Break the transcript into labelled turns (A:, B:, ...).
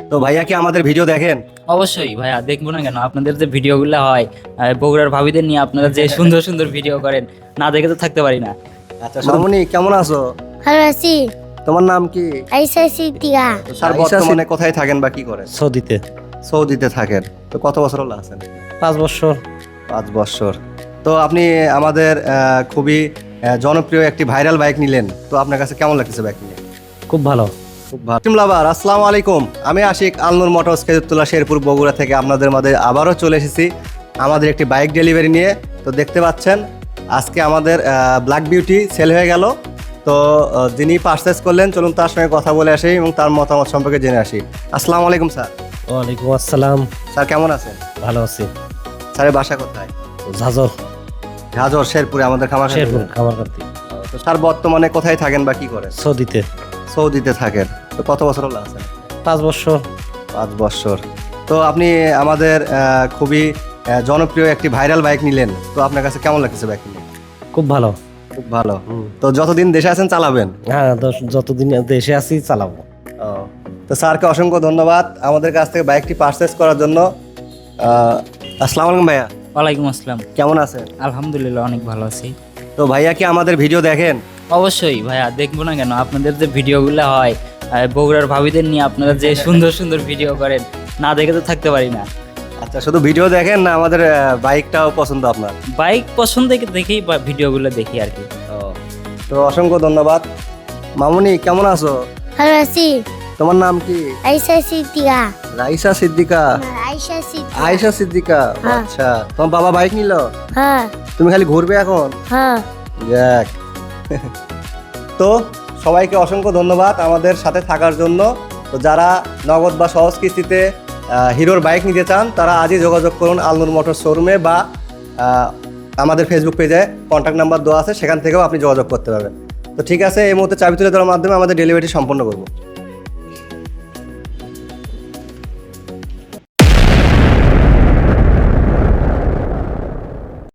A: তো ভাইয়া কি আমাদের ভিডিও দেখেন?
B: অবশ্যই ভাইয়া, দেখবো না কেন? আপনাদের যে ভিডিওগুলো হয় বগুড়ার ভাবিদের নিয়ে আপনারা যে সুন্দর সুন্দর ভিডিও করেন, না দেখে তো থাকতে পারি না।
A: আচ্ছা মামুনি, কেমন আছো?
C: ভালো আছি।
A: তোমার নাম কি?
C: আইসা সিদ্দিকা।
A: স্যার বর্তমানে কোথায় থাকেন বা কি করেন?
D: সৌদিতে।
A: সৌদিতে থাকেন। তো কত বছর হলো আছেন?
D: 5 বছর।
A: 5 বছর। তো আপনি আমাদের খুবই জনপ্রিয় একটি ভাইরাল বাইক নিলেন, তো আপনার কাছে কেমন লাগতেছে বাইক নিয়ে?
D: খুব ভালো।
A: খুব ভালো। লাভার আসসালামু আলাইকুম, আমি আশিক আলনুর মোটরস খেজুরতলা শেরপুর বগুড়া থেকে আপনাদের মাঝে আবারও চলে এসেছি আমাদের একটি বাইক ডেলিভারি নিয়ে। তো দেখতে পাচ্ছেন আজকে আমাদের ব্ল্যাক বিউটি সেল হয়ে গেল। তো যিনি পারচেস করলেন, চলুন তার সঙ্গে কথা বলে আসি এবং তার মতামত সম্পর্কে জেনে আসি। আসসালামু আলাইকুম স্যার।
D: ওয়ালাইকুম আসসালাম।
A: স্যার কেমন আছেন?
D: ভালো আছি।
A: স্যারের বাসা কোথায়?
D: ঝাজর।
A: ঝাজর শেরপুরে আমাদের খামার।
D: শেরপুর খামারকান্দি।
A: তো স্যার বর্তমানে কোথায় থাকেন বা কি করেন?
D: সৌদিতে।
A: সৌদিতে থাকেন। তো কত বছর হলো আছেন?
D: 5 বছর।
A: 5 বছর। তো আপনি আমাদের খুবই জনপ্রিয় একটি ভাইরাল বাইক নিলেন, তো আপনার কাছে কেমন লাগতেছে বাইক নিয়ে?
D: খুব ভালো।
A: খুব ভালো। তো যতদিন দেশে আছেন চালাবেন?
D: হ্যাঁ, যতদিন দেশে আছি চালাবো।
A: ও, তো স্যারকে অসংখ্য ধন্যবাদ আমাদের কাছ থেকে বাইকটি পারচেস করার জন্য। আসসালামু আলাইকুম ভাইয়া।
B: ওয়ালাইকুম আসসালাম।
A: কেমন আছেন?
B: আলহামদুলিল্লাহ, অনেক ভালো আছি।
A: তো ভাইয়া কি আমাদের ভিডিও দেখেন?
B: অবশ্যই ভাইয়া, দেখবো না কেন? আপনাদের যে ভিডিওগুলো হয় বগুড়ার ভাবিদের নিয়ে আপনারা যে সুন্দর সুন্দর ভিডিও করেন, না দেখে তো থাকতে পারি না।
A: আচ্ছা, শুধু ভিডিও দেখেন না আমাদের বাইকটাও পছন্দ আপনার?
B: বাইক পছন্দ দেখেই ভিডিওগুলো দেখি আর কি।
A: ও, তো অসংখ্য ধন্যবাদ। মামুনি কেমন আছো?
C: ভালো আছি।
A: তোমার নাম কি?
C: আইসা সিদ্দিকা।
A: রাইসা সিদ্দিকা।
C: আইসা সিদ্দিকা।
A: আয়েশা সিদ্দিকা।
C: হ্যাঁ।
A: আচ্ছা, তোমার বাবা বাইক নিল,
C: হ্যাঁ
A: তুমি খালি ঘুরবে এখন?
C: হ্যাঁ।
A: যাক। তো সবাইকে অসংখ্য ধন্যবাদ আমাদের সাথে থাকার জন্য। তো যারা নগদ বা সহজ কিস্তিতে হিরোর বাইক নিতে চান, তারা আজই যোগাযোগ করুন আলনুর মোটর শোরুমে বা আমাদের ফেসবুক পেজে কন্ট্যাক্ট নাম্বার দেওয়া আছে, সেখান থেকেও আপনি যোগাযোগ করতে পারবেন। তো ঠিক আছে, এই মুহূর্তে চাবি তুলে দেওয়ার মাধ্যমে আমাদের ডেলিভারি সম্পন্ন করব।